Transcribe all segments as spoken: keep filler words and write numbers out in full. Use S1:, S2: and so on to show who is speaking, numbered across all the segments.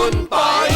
S1: คุณปอย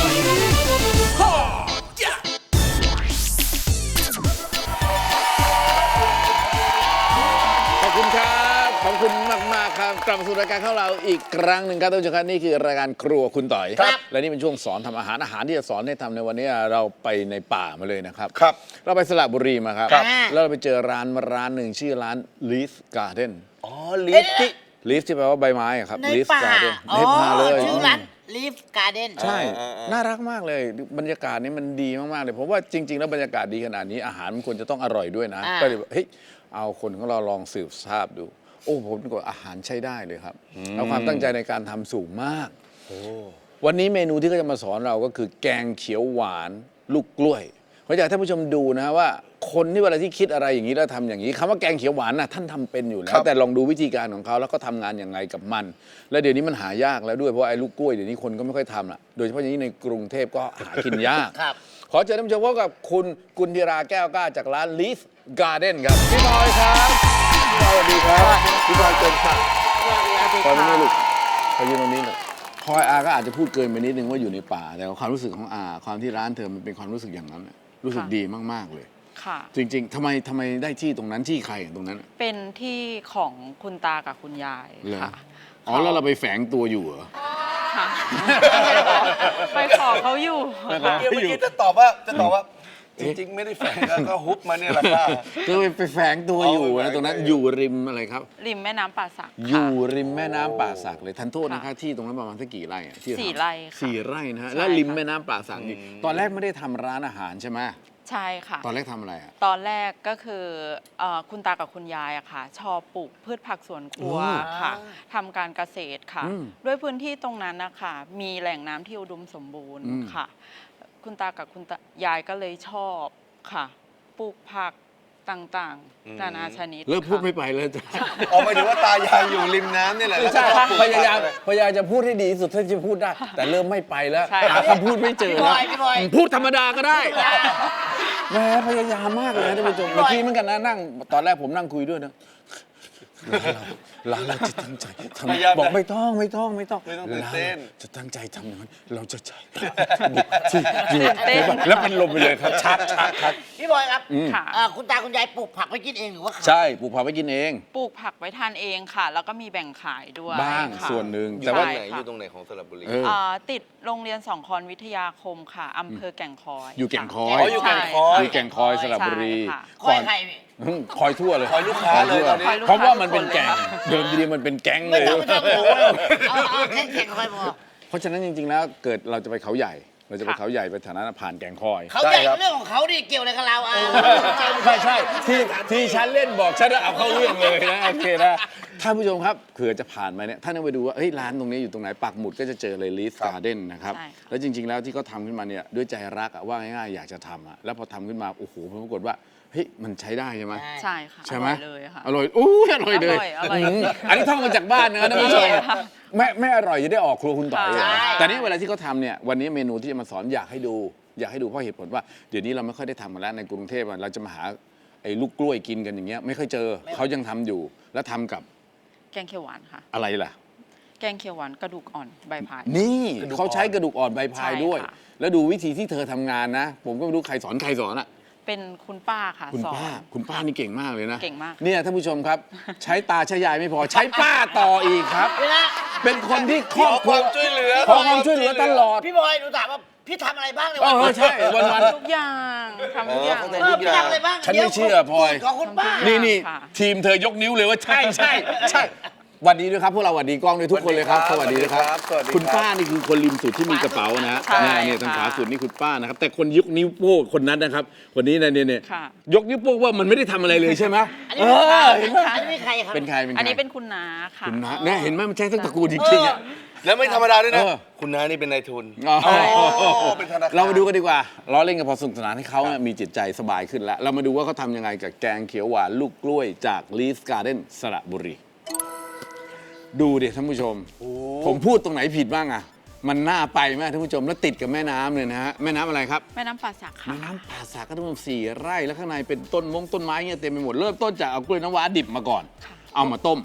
S1: ขอบคุณครับขอบคุณมากมากครับกลับมาสู่รายการของเราอีกครั้งหนึ่งครับท่านผู้ชมครับนี่คือรายการครัวคุณต่อยครับและนี่เป็นช่วงสอนทำอาหารอาหารที่จะสอนให้ทำในวันนี้เราไปในป่ามาเลยนะครับ
S2: ครับ
S1: เราไปสระบุรีมาครับแล้วเราไปเจอร้านร้านหนึ่งชื่อร้าน Leaf Garden
S2: อ๋อลีฟที่
S1: Leaf ที่แปลว่าใบไม้ครับ
S3: ใน
S1: Leaf
S3: ป่า
S1: Garden
S3: อ๋อ
S1: ในป่าเลย
S3: ชื่อร้าน Leaf Garden
S1: ใช่น่ารักมากเลยบรรยากาศนี้มันดีมากๆเลยผมว่าจริง ๆ แล้วบรรยากาศดีขนาดนี้อาหารมันควรจะต้องอร่อยด้วยนะก็เลยเฮ้ยเอาคนของเราลองสืบทราบดูโอ้ผมก็อาหารใช้ได้เลยครับแล้วความตั้งใจในการทำสูงมากวันนี้เมนูที่เขาจะมาสอนเราก็คือแกงเขียวหวานลูกกล้วยผมอยากให้ท่านผู้ชมดูนะว่าคนที่เวลาที่คิดอะไรอย่างนี้แล้วทำอย่างนี้คำว่าแกงเขียวหวานน่ะท่านทำเป็นอยู่แล้วแต่ลองดูวิธีการของเขาแล้วก็ทำงานอย่างไรกับมัน แล้วเดี๋ยวนี้มันหายากแล้วด้วยเพราะไอ้ลูกกล้วยเดี๋ยวนี้คนก็ไม่ค่อยทำละโดยเฉพาะอย่างนี้ในกรุงเทพก็หากินยาก
S3: ครับ
S1: ขอเชิญท่านผู้ชมพบกับคุณกุลธิราแก้วกล้าจากร้าน Leaf Garden ครับพี่บอยครับพี่บอยสวัสดีครับพี่บอยเกินค่ะพอยไม่ได้ลูกพอยืนตรงนี้หน่อยพลอยอาก็อาจจะพูดเกินไปนิดนึงว่าอยู่ในป่าแต่ความรู้สึกของอาความที่ร้านเธอมันเป็นความรู้สึกอย่างนั้นรู้สึกดีมากๆเลย
S4: ค่ะ
S1: จริงๆทำไมทำไมได้ที่ตรงนั้นที่ใครตรงนั้น
S4: เป็นที่ของคุณตากับคุณยาย
S1: เหรอ
S4: ค่ะ
S1: อ๋อแล้วเราไปแฝงตัวอยู่เหรอ
S4: ค่ะ ไปขอเขาอยู่
S1: ไปขอ
S4: ค่ะ
S2: เมื่อกี้จะตอบว่าจะตอบว่าจริงๆไม่ได้แฝงก็ฮุบมาเนี่ยแหละค่ะ
S1: คือไปแฝงตัวอยู่
S2: อ๋อไปแฝ
S1: นะ
S2: ง
S1: ตรงนั้น
S2: ตัว
S1: อ
S2: อยู่
S1: ยู่ริมอะไรครับ
S4: ริมแม่น้ำป่าสัก
S1: อ
S4: ค่ะ
S1: ยู่ริมแม่น้ำป่าสักเลยทันโทษนะคะ
S4: ค่ะ
S1: ที่ตรงนั้นประมาณสักกี่ไร่อะที่
S4: สี่
S1: ทำ
S4: ไร่ค่ะ
S1: สี่ไร่นะฮะ
S4: ใช่
S1: แล้วริม
S4: ค่ะ
S1: แม่น้ำป่าสักนี่ตอนแรกไม่ได้ทำร้านอาหารใช่ไหม
S4: ใช่ค่ะ
S1: ตอนแรกทำอะไรอ่ะ
S4: ตอนแรกก็คือเอ่อคุณตากับคุณยายอะค่ะ ชอบปลูกพืชผักสวนครัว
S1: อ๋อ
S4: ค่ะทำการเกษตรค่ะ
S1: อืม
S4: ด้วยพื้นที่ตรงนั้นนะคะมีแหล่งน้ำที่อุดมสมบูรณ์
S1: อืม
S4: ค่ะ คุณตากับคุณตายายก็เลยชอบค่ะ ปลูกผักต่างๆนานาชนิด
S1: เลิกพูด
S4: ค่ะ
S1: ไม่ไปเลยจ้ะ
S2: ออกไปถึงว่าตายายอยู่ริมน้ำนี่แหละ
S1: ไม่ใช่
S2: แล้วก็ปลูก
S1: พยายามพยายามจะพูดให้ดีที่สุดเท่าที่จะพูดได้ แต่เริ่มไม่ไปแล้ว
S4: ใช่
S1: หาคำพูดไม่เจอ
S3: พี่บ
S1: แล้ว
S3: อยพี่บอย
S1: พูดธรรมดาก็ได้แหมพยายามมากเลยนะท่านผู้ชมเมื่อกี้เหมือนกันนะนั่งตอนแรกผมนั่งคุยด้วยนะร้านเราจะตั้งใจทำบอกไม่ต้องไม่ต้องไม่ต้อง
S2: ไม่ต้องตื่นเต้น
S1: จะตั้งใจทำอย่างนั้นเราจะใจที่อยู่แล้วมันลมไปเลยครับชัดชัดชัด
S3: พี่บอยครับ
S4: ค่ะ
S3: เอ่อคุณตาคุณยายปลูกผักไว้กินเองหรือว่าขาย
S1: ใช่ปลูกผักไว้กินเอง
S4: ปลูกผักไว้ทานเองค่ะ แล้วก็มีแบ่งขายด้วย
S1: บ้าง
S4: ค่ะ
S1: ส่วนหนึ่ง
S2: อยู่
S1: แต่
S2: ตร
S1: ว่าง
S2: ไหน
S4: ค่ะ
S2: อยู่ตรงไหนของสระบุรี
S1: เออ
S4: อ่าติดโรงเรียนสองคอนวิทยาคมค่ะอำเภอแก่งคอย
S1: อยู่แก่งคอ
S2: อ๋
S1: ย
S2: ออยู่แก่งคอย
S1: อยู่แก่งคอยสระบุรี
S4: ใช่ค่ะ
S3: คอยใครพี่
S1: อืมคอยทั่วเลย
S2: คอยลูกค้าเลยตอนนี้
S4: คอยลูก
S1: เพราะ
S4: ค้
S1: ว่ามันเป็นแก่ง
S4: ทุกคนเลยค่ะ
S1: เดิมทีมันเป็นแก๊งเล
S3: ไม่
S1: ย
S3: ต้องไม่ต้องหนูเอาเอาแค่แข่งคอยพอ
S1: เพราะฉะนั้นจริงๆแล้วเกิดเราจะไปเขาใหญ่ เราจะไปเขาใหญ่ไปฐานะผ่านแก่งคอย
S3: เขาใหญ่เรื่องของเขาดิเกี่ยวอะไรกับเราอ่ะ
S1: ไม่ใช่ที่ที่ฉันเล่นบอกฉันเอาเข้าเรื่องเลยนะโอเคนะท่านผู้ชมครับเผื่อจะผ่านมาเนี่ยท่านต้องไปดูว่าเฮ้ยร้านตรงนี้อยู่ตรงไหนปักหมุดก็จะเจอเลย Leaf Garden นะครับ
S4: ใช่ค่ะ
S1: แล้วจริง ๆ แล้วที่เขาทำขึ้นมาเนี่ยด้วยใจรักอะว่าง่ายๆอยากจะทำอะแล้วพอทำขึ้นมาโอ้โหปรากฏว่าเฮ้ยมันใช้ได้ใช่ไหม
S4: ใช่ค่ะ
S1: ใช่ไหม
S4: อร่อยเลยค่ะ
S1: อร่อยอู้ยอร่อยเลย
S4: อร่อยอร่อย
S1: มอันนี้ท่องมาจากบ้านนะท่านผู้ชม
S4: อร่อยค่ะ
S1: ไม่ไม่อร่อยจะได้ออกครัวคุณต่อย
S4: ใช่
S1: แต่นี่เวลาที่เขาทำเนี่ยวันนี้เมนูที่จะมาสอนอยากให้ดู อยากให้ดูเพราะเหตุผลว่าเดี๋ยวนี้เราไม่ค่อยได้ทำกันแล้วในกรุงเทพอะเราจะมาหาไอ้ลูกกล้วยกินกันอย่างเงี้ยไม่ค่อยเจอเขายังทำอยู่แล้วทำกับ
S4: แกงเขียวหวานค่ะ
S1: อะไรล่ะ
S4: แกงเขียวหวานกระดูกอ่อนใบพาย
S1: นี่
S2: กระดูกอ่อน
S1: เขาใช้กระดูกอ่อนใบพาย
S4: ใช่
S1: ด้วย
S4: ค่ะ
S1: แล้วดูวิธีที่เธอทำงานนะ ผมก็ไม่รู้ใครสอนใครสอนอะ
S4: เป็นคุณป้าค่ะ
S1: คุณ
S4: สอน
S1: ป้าคุณป้านี่เก่งมากเลยนะ
S4: เก่งมาก
S1: เนี่ยท่านผู้ชมครับ ใช้ตาใช้ยายไม่พอใช้ป้าต่ออีกครับ
S3: เวลา
S1: เป็นคนที่ครอบครัว
S2: ขอความช่วยเหลือ
S1: ขอความช่วยเหลือตลอด
S3: พี่บอยหนูถามว่าพี่ทำอะไรบ้างใน
S1: เอ
S3: วัน
S1: อใช่วันวัน
S4: ทุกอย่างทำทุกอย่าง
S2: เออ
S4: เลย
S3: เออพี่ทำอะไรบ้าง
S1: ฉันไม่เชื่อพลอย
S3: ของคุณป้า
S1: นี่นี่
S4: ค่ะ
S1: ทีมเธอยกนิ้วเลยว่าใช่ใช่ใช่หวัดดีด้วยครับพวกเราหวัดดีกล้องด้วยทุกคนเลยครับสวัสดีนะครับ
S2: สวัสดีครับ
S1: คุณป้านี่คือคนริมสุดที่มีกระเป๋านะฮะ
S4: ใช่
S1: เนี่ยทางขวา
S4: ค่ะ
S1: สุดนี่คุณป้านะครับแต่คนยกนิ้วโป้งคนนั้นนะครับคนนี้นะเนี่ยเนี่ย
S4: ค่ะ
S1: ยกนิ้วโป้งว่ามันไม่ได้ทำอะไรเลยใช่ไหม
S3: อัน
S1: เอ
S3: นี้
S1: อเห็นไหม
S3: อันนี้ใครครับ
S1: เป็นใครเป็นใคร
S4: อันนี้เป็นคุณน้าค่ะ
S1: คุณนะเนี่ยเห็นไหมมันใช่ทั้งตระกูลจริงๆอ่ะ
S2: แล้วไม่ธรรมดาด้วยนะ
S1: เออ
S2: คุณน้านี่เป็นนายทุน
S1: อ๋อ
S2: เป็นธนาคาร
S1: เรามาดูกันดีกว่าล้อเล่นกันพอสนุกสนานให้เขาเนี่ยมีจิตใจสบายขึ้นแล้ว เรามาดูว่าเขาทำยังไงกับแกงเขียวหวานลูกกล้วยจาก Leaf Garden สระบุรี ดูดิท่านผู้ชม ผมพูดตรงไหนผิดบ้างอะมันน่าไปไหมท่านผู้ชมแล้วติดกับแม่น้ำเลยนะฮะแม่น้ำอะไรครับ
S4: แม่น้ำป่าสักค่ะ
S1: แม่น้ำป่าสักก็ต้องสี่ไร่แล้วข้างในเป็นต้นมงต้นไม้เงี้ยเต็มไปหมดเริ่มต้นจากเอากล้วยน้ำว้าดิบมาก่อน
S4: ค่ะ
S1: เอามาต้ม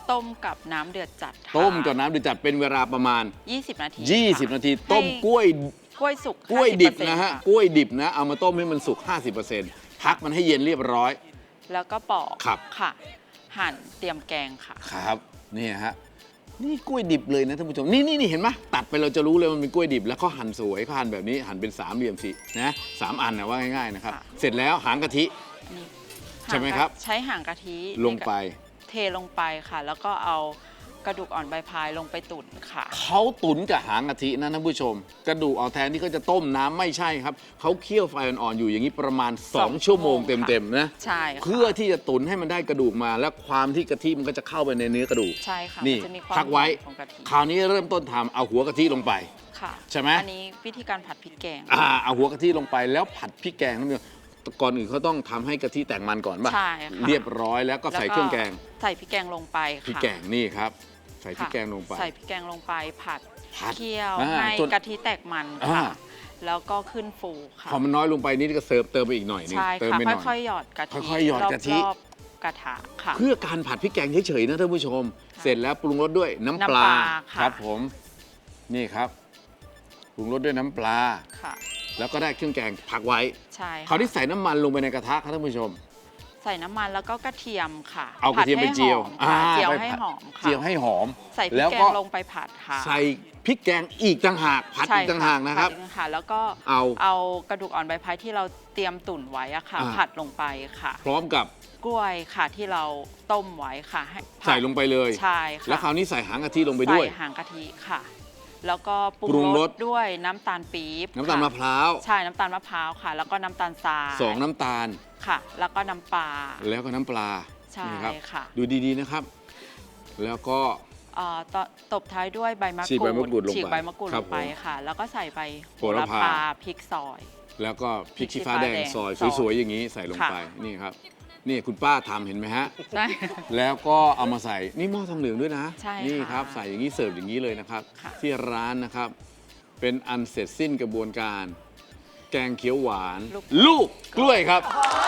S4: ต้มกับน้ำเดือดจัดค่ะ
S1: ต้มกับน้ำเดือดจัดเป็นเวลาประมาณ
S4: ยี่สิบ นาที
S1: ยี่สิบ
S4: ค่ะ
S1: นาที ต้ม
S4: ให้
S1: กล้วย
S4: กล้วยสุก
S1: กล้วยดิบ
S4: ห้าสิเปอร์เซ็ต์
S1: นะฮะ
S4: ค่
S1: กล้วยดิบนะเอามาต้มให้มันสุก ห้าสิบเปอร์เซ็นต์ พักมันให้เย็นเรียบร้อย
S4: แล้วก็ปอก
S1: ครับ
S4: ค่ะ หั่นเตรียมแกงค่ะ
S1: ครับนี่ฮะนี่กล้วยดิบเลยนะท่านผู้ชมนี่นี่นี่เห็นไหมตัดไปเราจะรู้เลยมันเป็นกล้วยดิบแล้วเขาหั่นสวยเขาหั่นแบบนี้หั่นเป็นสามเหลี่ยมสินะสามอันนะว่าง่ายๆนะครับ
S4: ค่ะ
S1: เสร็จแล้วหางกะทิ
S4: นี่
S1: ใช่ไหมครับ
S4: ใช้หางกะทิ
S1: ลงไป
S4: เทลงไปค่ะ แล้วก็เอากระดูกอ่อนใบพายลงไปตุ๋นค่ะ
S1: เขาตุ๋นกับหางกะทินะท่านผู้ชม กระดูกเอาแทนที่เขาจะต้มน้ำไม่ใช่ครับเขาเคี่ยวไฟอ่อนๆอยู่อย่างนี้ประมาณ
S4: สอง
S1: สอง ชั่วโมง
S4: ชั่วโมง
S1: เต็มๆนะ
S4: ใช่ค่ะ
S1: เพื่อที่จะตุ๋นให้มันได้กระดูกมา และความที่กะทิมันก็จะเข้าไปในเนื้อกระดูก
S4: ใช่ค่ะ
S1: นี่
S4: มันจะมีความ
S1: พักไว้
S4: หอมของกะทิ
S1: คราวนี้เริ่มต้นทำเอาหัวกะทิลงไป
S4: ค่ะ
S1: ใช่ไหม
S4: อันนี้วิธีการผัดพริกแกง
S1: อ่าเอาหัวกะทิลงไปแล้วผัดพริกแกงนั่นเองก่อนอื่นเขาต้องทำให้กะทิแตกมันก่อนป่ะ
S4: ใช่ค่ะ
S1: เรียบร้อยแล้วก็ใส่
S4: ล้ว
S1: เครื่องแกง
S4: ใส่พริกแกงลงไปค่ะ
S1: พริกแกงนี่ครับ ใส่พริก
S4: ค่ะ
S1: แกงลงไป
S4: ใส่พริกแกงลงไปผัด
S1: ผัด
S4: เคี่ยว
S1: อ่า
S4: ให้
S1: จน
S4: กะทิแตกมัน
S1: อ่า
S4: ค่ะ แล้วก็ขึ้นฟูค่ะ
S1: พอมันน้อยลงไปนี่ก็เสิร์ฟเติมไปอีกหน่อยหนึง
S4: ใช่
S1: เติม
S4: ค่ะ
S1: ไปหน่อย
S4: ค่อยๆหยอดกะทิ
S1: ค่อยๆหยอดกะทิ
S4: รอบๆกระทะค่ะ
S1: เพื่อการผัดพริกแกงเฉยๆนะท่านผู้ชม เสร็จแล้วปรุงรสด้วยน้ำป
S4: น้ำป
S1: ลา
S4: ลาค่ะ
S1: ครับผมนี่ครับปรุงรสด้วยน้ำปลา
S4: ค่ะ
S1: แล้วก็ได้เครื่องแกงผักไว้
S4: ใช่
S1: คราว
S4: ค่ะ
S1: นี้ใส่น้ำมันลงไปในกระทะครับท่านผู้ชม
S4: ใส่น้ำมันแล้วก็กระเทียมค่ะ
S1: เอากระเทียมไป
S4: ผัดให้
S1: เจียว
S4: หอมค่ะ
S1: อ่า
S4: เจียว
S1: ไป
S4: ให้
S1: ผัด
S4: หอมค่ะ
S1: เจียวให้หอม
S4: ใส่พริ
S1: แล้
S4: ก
S1: ว
S4: แก
S1: ก็
S4: งลงไปผัดค่ะ
S1: ใส่พริกแกงอีกต่างหากผัด
S4: ใช่
S1: อีกต่างหากนะครับ
S4: ผัดอีกต่างหากแล้วก็
S1: เอา
S4: เอากระดูกอ่อนใบพายที่เราเตรียมตุ๋นไว้อะค่ะ
S1: อ่า
S4: ผัดลงไปค่ะ
S1: พร้อมกับ
S4: กล้วยค่ะที่เราต้มไว้ค่ะให้ผัด
S1: ใส่ลงไปเลย
S4: ใช่ค่ะ
S1: แล้วคราวนี้ใส่หางกะทิลงไปด้วย
S4: ใส่หางกะทิค่ะ แล้วก็ปรุ
S1: ปรุง
S4: ง
S1: ร
S4: ร
S1: ส
S4: สด้วยน้ำตาลปี๊บ
S1: น้ำตาล
S4: ค่
S1: มะพร้าว
S4: ใช่น้ำตาลมะพร้าวค่ะ แล้วก็น้ำตาลทราย
S1: สองน้ำตาล
S4: ค่ะ แล้วก็น้ำปลา
S1: แล้วก็น้ำปลา
S4: ใช่
S1: นี่ครับ
S4: ค่ะ
S1: ดูดีๆนะครับ แล้วก็
S4: เอ่อตตบท้ายด้วยใบมะ
S1: ฉีก
S4: กรู
S1: ใบมะกรูด
S4: ด
S1: ลงไป
S4: ฉีกใบมะกรูด
S1: ครั
S4: ล
S1: บ
S4: งไป
S1: ผม
S4: ค่ะ แล้วก็ใส่ใบ
S1: โหระพา
S4: พริกซอย
S1: แล้วก็พริกชี้ฟ้า
S4: พริกชี้ฟ้า
S1: แดง
S4: แดง
S1: ซอย
S4: ซอย
S1: สวยๆอย่างนี้ใส่ลง
S4: ค่ะ
S1: ไปนี่ครับ นี่คุณป้าทำเห็นไหมฮะ
S4: ใช่
S1: แล้วก็เอามาใส่นี่หม้อทองเหลืองด้วยนะ
S4: ใช่
S1: นี่
S4: ค่ะ
S1: ครับใส่อย่างนี้เสิร์ฟอย่างนี้เลยนะครับ
S4: ค่ะ
S1: ที่ร้านนะครับ เป็นอันเสร็จสิ้นกระบวนการ แกงเขียวหวาน ลูกกล้วยครับ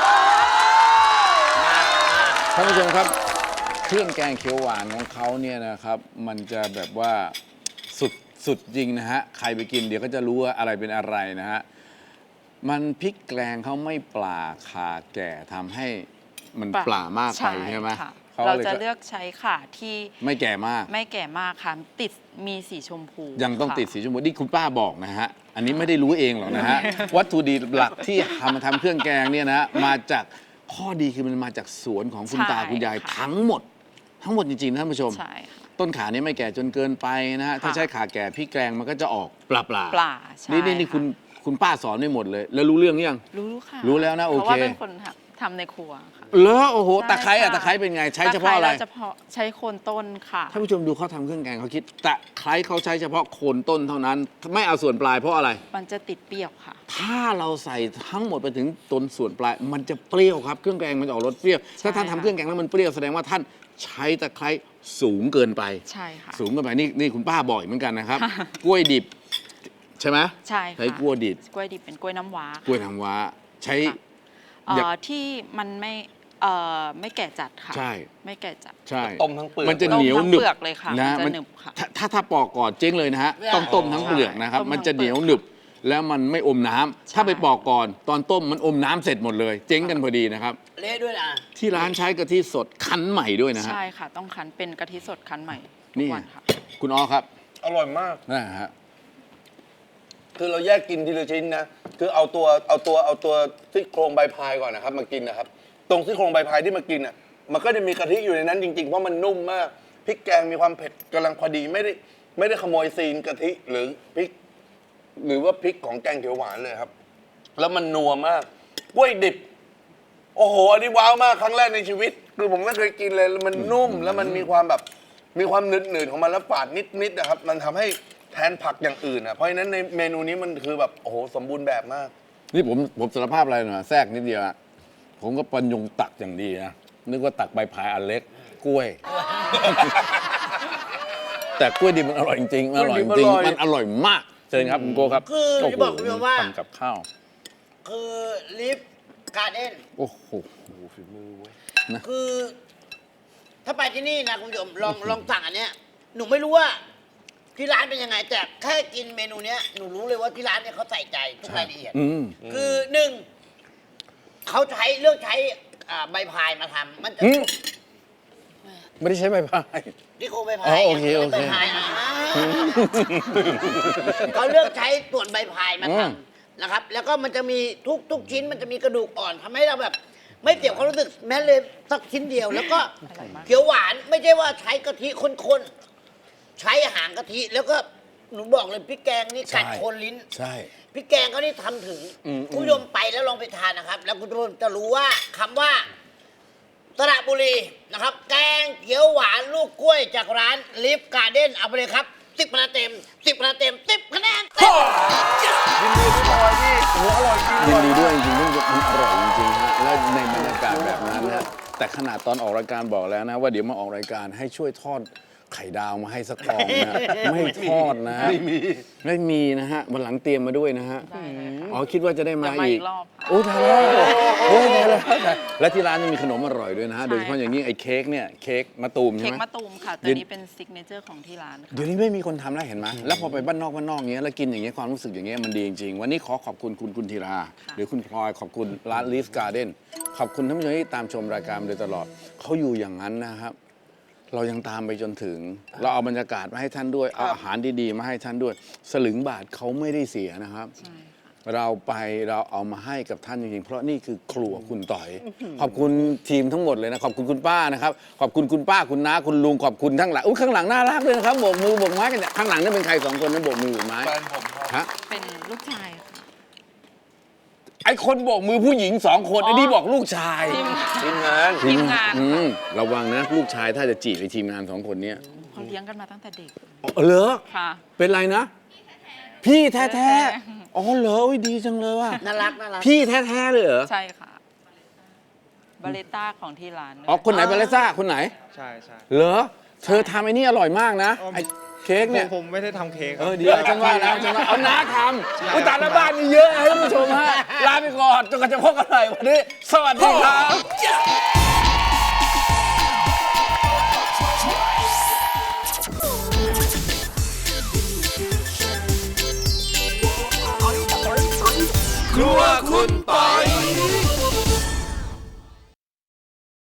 S1: ท่านผู้ชมครับ เครื่องแกงเขียวหวานของเขาเนี่ยนะครับ มันจะแบบว่าสุดสุดจริงนะฮะใครไปกินเดี๋ยวก็จะรู้ว่าอะไรเป็นอะไรนะฮะมันพริกแกงเขาไม่ปลาขาแก่ทำให้มันปลามากไปใช่ไหม
S4: ค่ะ
S1: เขา
S4: เรา
S1: เลย
S4: จะ
S1: ก็
S4: เลือกใช้ข่าที่
S1: ไม่แก่มาก
S4: ไม่แก่มากค่ะ ติดมีสีชมพู
S1: ยังต้อง
S4: ค่ะ
S1: ติดสีชมพูนี่คุณป้าบอกนะฮะ อันนี้ไม่ได้รู้เองหรอกนะฮะ วัตถุดิบหลักที่ทำมาทำเครื่องแกงเนี่ยนะมาจากข้อดีคือมันมาจากสวนของคุณ
S4: ใช่
S1: ตาคุณยาย
S4: ค่ะ
S1: ทั้งหมด ทั้งหมดจริงๆนะท่านผู้ชม
S4: ใช่ค่ะ
S1: ต้นขานี้ไม่แก่จนเกินไปนะฮะ ถ้า
S4: ค่ะ
S1: ใช้ขาแก่พี่แกงมันก็จะออกปลาปลา
S4: ปลาใช่
S1: นี่นี่นี่
S4: ะ
S1: คุณคุณป้าสอนไม่หมดเลย แล้วรู้เรื่องยัง
S4: รู้ค่ะ
S1: รู้แล้วนะโอเค
S4: เพราะว่าเป็นคนทำทำในครัวค่ะ
S1: เหรอโอ้โห
S4: ใช่
S1: ตะไคร้อะ
S4: ค่ะ
S1: ตะไคร้เป็นไงใช้เฉพาะอะไร
S4: ตคเราเฉพาะใช้โคนต้นค่ะ
S1: ท่านผู้ชมดูเขาทำเครื่องแกงเขาคิดตะไคร้เขาใช้เฉพาะโคนต้นเท่านั้น ไม่เอาส่วนปลายเพราะอะไร
S4: มันจะติดเปรี้ยวค่ะ
S1: ถ้าเราใส่ทั้งหมดไปถึงต้นส่วนปลาย มันจะเปรี้ยวครับ เครื่องแกงมันจะออกรสเปรี้ยว ถ้าท่าน
S4: ใช่
S1: ทำ
S4: ค่ะ
S1: เครื่องแกงแล้วมันเปรี้ยวแสดงว่าท่านใช้ตะไคร้สูงเกินไป
S4: ใช่ค่ะ
S1: สูงเกินไปนี่นี่คุณป้าบอกอีกเหมือนกันนะครับ
S4: ค่ะ
S1: กล้วยดิบ ใช่ไหม
S4: ใช่ค่ะ
S1: ใช้กล้วยดิบ
S4: กล้วยดิบเป็นกล้วยน้ำว้าก
S1: ล้วยน้ำว้าใช้
S4: ค่ะเอ่
S1: อย่า
S4: อที่มันไม่เอ่อไม่แก่จัดค่ะ
S1: ใช่
S4: ไม่แก่จัด
S1: ใช่
S2: ต้มทั้งเปลือก
S1: มันจะ
S4: ต้ม
S1: เหนียว
S4: ทั้ง
S1: หนึบ
S4: เปลือกเลยค่ะ
S1: นะ
S4: มันจะ
S1: มัน
S4: หนึบค่ะ
S1: ถ้าถ้าถ้าปอกก่อนเจ๊งเลยนะฮะต้องต้มทั้งเปลือกนะครับ
S4: ต้มทั้ง
S1: มันจะเหนียว
S4: เปลือก
S1: หนึบแล้วมันไม่อมน้ำ
S4: ใช่
S1: ถ้าไปปอกก่อน ตอนต้มมันอมน้ำเสร็จหมดเลย เจ๊งกันพอดีนะครับ
S3: เละด้วยนะ
S1: ที่ร้านใช้กะทิสดคั้นใหม่ด้วยนะฮะ
S4: ใช่ค่ะ ต้องคั้นเป็นกะทิสดคั้นใหม่ทุ
S1: นี่
S4: กวันค่ะ
S1: คุณอ้อครับ
S2: อร่อยมาก
S1: นะฮะ
S2: คือเราแยกกินทีละชิ้นนะ คือเอาตัวเอาตัวเอาตัวซี่โครงใบพายก่อนนะครับมากินนะครับ ตรงซี่โครงใบพายที่มากินอ่ะ มันก็จะมีกะทิอยู่ในนั้นจริงๆ เพราะมันนุ่มมาก พริกแกงมีความเผ็ดกำลังพอดีไม่ได้ไม่ได้ขโมยซีนกะทิหรือพริก หรือว่าพริกของแกงเขียวหวานเลยครับ แล้วมันนัวมาก กล้วยดิบ โอ้โห อันนี้ว้าวมากครั้งแรกในชีวิต คือผมไม่เคยกินเลยแล้วมันนุ่ม แล้วมันมีความแบบ มีความหนืดๆของมันแล้วฝาดนิดๆนะครับ มันทำให้แทนผักอย่างอื่นอ่ะ เพราะฉะนั้นในเมนูนี้มันคือแบบโอ้โหสมบูรณ์แบบมาก
S1: นี่ผมผมสารภาพอะไรหน่อยแทรกนิดเดียวอะผมก็ปัญญงตักอย่างดีนะ นึกว่าตักใบพายอันเล็ก กล้วย แต่กล้วยดิบมันอร่อยจริงๆมันอร่อยจ
S2: กล้วยดิ
S1: ริ
S2: บ
S1: ง
S2: อร่อย
S1: ๆมันอร่อยมากเชิญครับคุณโกครับ
S3: คือ
S1: โอ้
S3: จะ
S1: โห
S3: บอกคุณผู้ชมว่า
S1: ทำกับข้าว
S3: คือลิฟการ์เด้น
S1: โอ้โห
S3: คือถ้าไปที่นี่นะคุณผู้ชมลองลองสั่งอันเนี้ยหนูไม่รู้ว่าที่ร้านเป็นยังไง แต่แค่กินเมนูเนี้ยหนูรู้เลยว่าที่ร้านเนี่ยเขาใส่ใจทุกรายละเอียด
S1: อืม
S3: คือหนึ่งเขาใช้เลือกใช้อ่าใบพายมาทำมันจะ
S1: อืม ไม่ได้ใช้ใบพาย
S3: ที่โครงใบพา
S1: อ๋อย โอเคโอเค
S3: ใบพายอ่าเขาเลือกใช้ส่วนใบพายมาท
S1: อืม
S3: ำนะครับ แล้วก็มันจะมีทุกทุกชิ้นมันจะมีกระดูกอ่อนทำให้เราแบบ ไม่เสียความรู้สึกแม้เลยสักชิ้นเดียว แล้วก็เขียวหวานไม่ใช่ว่าใช้กะทิข้นๆใช้หางกะทิแล้วก็หนูบอกเลยพริกแกงนี่กัด
S1: ใช่
S3: โคนลิ้น
S1: ใช่
S3: พริกแกงเขานี่ทำถึง
S1: อืม
S3: คุณผู้ชมไปแล้วลองไปทานนะครับ แล้วคุณผู้ชมจะรู้ว่าคำว่าสระบุรีนะครับ แกงเขียวหวานลูกกล้วยจากร้านลิฟการ์เด้นเอาไปเลยครับสิบคะแนนเต็มสิบคะแนนเต็มสิบคะแนนเต็ม
S1: ยินดีด้วยจริงๆมันอร่อยจริงๆฮะและในบรรยากาศแบบนั้นนะแต่ขนาดตอนออกรายการบอกแล้วนะ ว่าเดี๋ยวมาออกรายการให้ช่วยทอดไข่ดาวมาให้สักฟองนะไม่ทอดนะไม่มีไม่มีนะฮะวันหลังเตรียมมาด้วยนะฮะ
S4: ได้เลยค่ะ
S1: อ๋อคิดว่าจะได้มา
S4: เดี๋ยวมา
S1: อี
S4: อี
S1: ก
S4: กรอบ
S1: โอ้ตายแล้วโอ้ตายแล้วและที่ร้านยังมีขนมอร่อยด้วยนะฮะ
S4: ใช่
S1: โดยเฉพาะอย่างยิ่งไอ้เค้กเนี่ยเค้กมะตูมใช่
S4: เค้ก
S1: ไหม
S4: มะตูมค่ะ
S1: เดี๋
S4: ตัว
S1: ยว
S4: นี้เป็นซิกเนเจอร์ของที่ร้านค่ะ
S1: เดี๋ยวนี้ไม่มีคนทำแล้วเห็นไหมแล้วพอไปบ้านนอกบ้านนอกเงี้ยแล้วกินอย่างเงี้ยความรู้สึกอย่างเงี้ยมันดีจริงๆวันนี้ขอขอบคุณคุณกุลธีรา
S4: ค่ะ
S1: หรือคุณพลอยขอบคุณร้าน Leaf Garden ขอบคุณท่านผู้ชมที่ตามชมรายการมาโดยตลอดเขาอยู่อย่างนั้นนะครับ เรายังตามไปจนถึง เราเอาบรรยากาศมาให้ท่านด้วยเอาอาหารดีๆมาให้ท่านด้วย สลึงบาทเขาไม่ได้เสียนะครับ
S4: ใช่ค่ะ
S1: เราไปเราเอามาให้กับท่านจริงๆ เพราะนี่คือครัวคุณต่อย ขอบคุณทีมทั้งหมดเลยนะ ขอบคุณคุณป้านะครับ ขอบคุณคุณป้าคุณน้าคุณลุงขอบคุณทั้งหลังอุ้ยข้างหลังน่ารักเลยนะครับโบกมือโบกไม้กันเนี่ยข้างหลังนี่เป็นใครสองคนนั้นโบกมือโบกไม้
S2: แฟนผมครับ
S1: ฮะ
S4: เป็นลูกชายค่ะ
S1: ไอคนโบกมือผู้หญิงสองคน
S4: อ๋อ
S1: ไอ้นี่บอกลูกชาย
S4: ทีม
S2: ทีมงาน
S4: ทีมงาน
S1: อืมระวังนะลูกชายถ้าจะจีบไอทีมงานสองคนเนี้ย
S4: เขาเลี้ยงกันมาตั้งแต่เด็ก
S1: อ๋อเหรอ
S4: ค่ะ
S1: เป็นไรนะ พี่แท้
S4: แท้
S1: ๆอ๋อเหรออุ๊ยดีจังเลยว่ะ
S3: น่ารักน่ารัก
S1: พี่แท้ๆเลยเหรอ
S4: ใช่ค่ะ บาเลต้าของที่ร้านด้วย
S1: อ๋อคนไหนบาเลซ่าคนไหน
S5: ใช่ใช่
S1: เหรอ เธอทำไอ้นี่อร่อยมากนะ ไอ้เค้ก
S5: ผม
S1: เนี่ย
S5: ผมไม่ได้ทำเค้กค
S1: เอ
S5: รับ
S1: อเดี๋ยวฉันว่าแล้วฉันว่าเอาน้าทำอุยตายแล้วบ้านมีเยอะนะท่านผู้ชมฮะ ลาไปก่อนจนกว่าจะพบกันใหม่วันนี้ สวัสดีครับ ครัวคุณปอ